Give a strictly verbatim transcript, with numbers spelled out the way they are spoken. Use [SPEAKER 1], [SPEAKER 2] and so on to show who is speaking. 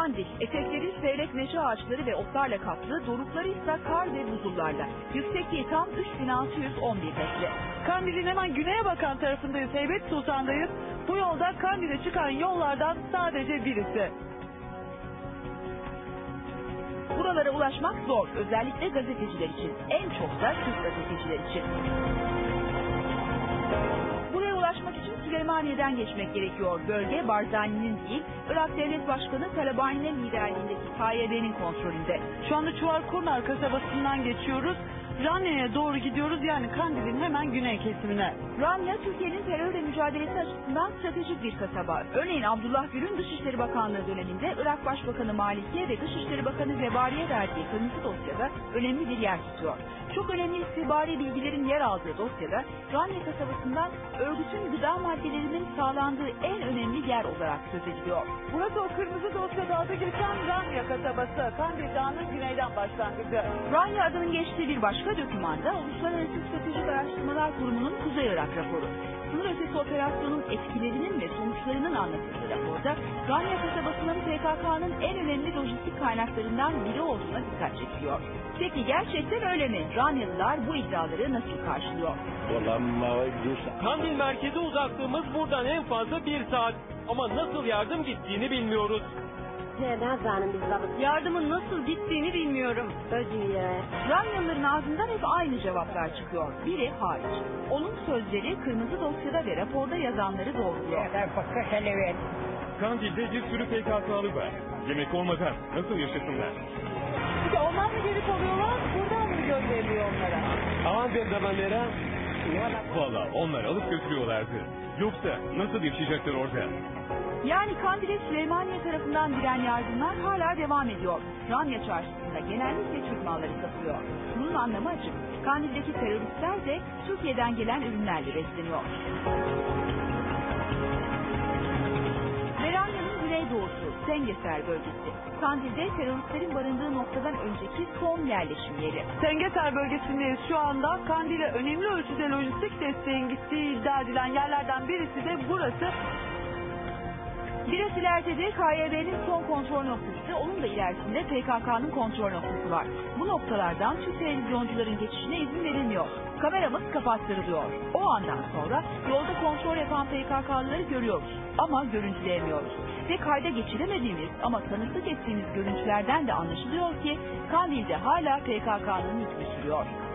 [SPEAKER 1] Kandil, etekleri seyrek meşe ağaçları ve otlarla kaplı, dorukları ise kar ve buzullarla. Yüksekliği tam üç bin altı yüz on bir metre.
[SPEAKER 2] Kandil'in hemen güneye bakan tarafındayız, Heybet Sultan'dayız. Bu yolda Kandil'e çıkan yollardan sadece birisi.
[SPEAKER 1] Buralara ulaşmak zor, özellikle gazeteciler için. En çok da Türk gazeteciler için. Buraya ulaşmak için Süleymaniye'den geçmek gerekiyor. Bölge Barzani'nin değil, Irak Devlet Başkanı Talabani'nin liderliğindeki K Y B'nin kontrolünde.
[SPEAKER 2] Şu anda Çuvarkurnar kasabasından geçiyoruz. Ranya'ya doğru gidiyoruz, yani Kandil'in hemen güney kesimine.
[SPEAKER 1] Ranya, Türkiye'nin terörle mücadelesi açısından stratejik bir kasaba. Örneğin Abdullah Gül'ün Dışişleri Bakanlığı döneminde Irak Başbakanı Maliki'ye ve Dışişleri Bakanı Zebari'ye verdiği kırmızı dosyada önemli bir yer tutuyor. Çok önemli istihbari bilgilerin yer aldığı dosyada Ranya kasabasından örgütün gıda maddelerinin sağlandığı en önemli yer olarak söz ediliyor.
[SPEAKER 2] Burası o kırmızı dosyada adı geçen Ranya kasabası, Kandil Dağı'nın güneyden başlangıcı.
[SPEAKER 1] Ranya adının geçtiği bir başka dokümanda Uluslararası Stratejik Araştırmalar Kurumu'nun Kuzey Irak raporu. Sınır ötesi operasyonun etkilerinin ve sonuçlarının anlatıldığı raporda Ranya kasabasının P K K'nın en önemli lojistik kaynaklarından biri olduğuna dikkat çekiliyor. Peki gerçekten öyle mi? Ranyalılar bu iddiaları nasıl karşılıyor?
[SPEAKER 3] Kandil merkeze uzaklığımız buradan en fazla bir saat. Ama nasıl yardım gittiğini bilmiyoruz.
[SPEAKER 2] Yardımın nasıl gittiğini bilmiyorum.
[SPEAKER 1] Ranyalıların ağzından hep aynı cevaplar çıkıyor. Biri hariç. Onun sözleri kırmızı dosyada ve raporda yazanları doğruluyor.
[SPEAKER 3] Kandil'de bir sürü P K K'lı var. Yemek olmadan nasıl yaşasınlar?
[SPEAKER 2] İşte onlar mı geri kalıyorlar, buradan mı gönderiliyor onlara?
[SPEAKER 3] Aman ben zamanlara. Valla onlar alıp götürüyorlardı. Yoksa nasıl yaşayacaklar orada?
[SPEAKER 1] Yani Kandil'e Süleymaniye tarafından giren yardımlar hala devam ediyor. Ranya çarşısında genellikle Türk malları satılıyor. Bunun anlamı açık. Kandil'deki teröristler de Türkiye'den gelen ürünlerle besleniyor. Ranya'nın güneydoğusu Sengeser bölgesi. Kandil'de teröristlerin barındığı noktadan önceki son yerleşim yeri.
[SPEAKER 2] Sengeser bölgesindeyiz şu anda. Kandil'e önemli ölçüde lojistik desteğin gittiği iddia edilen yerlerden birisi de burası.
[SPEAKER 1] Biraz ileride de K Y B'nin son kontrol noktası, onun da ilerisinde P K K'nın kontrol noktası var. Bu noktalardan Türk televizyoncuların geçişine izin verilmiyor. Kameramız kapattırılıyor. O andan sonra yolda kontrol yapan P K K'lıları görüyoruz ama görüntüleyemiyoruz. Ve kayda geçiremediğimiz ama tanıklık ettiğimiz görüntülerden de anlaşılıyor ki Kandil'de hala P K K'nın hükmü sürüyor.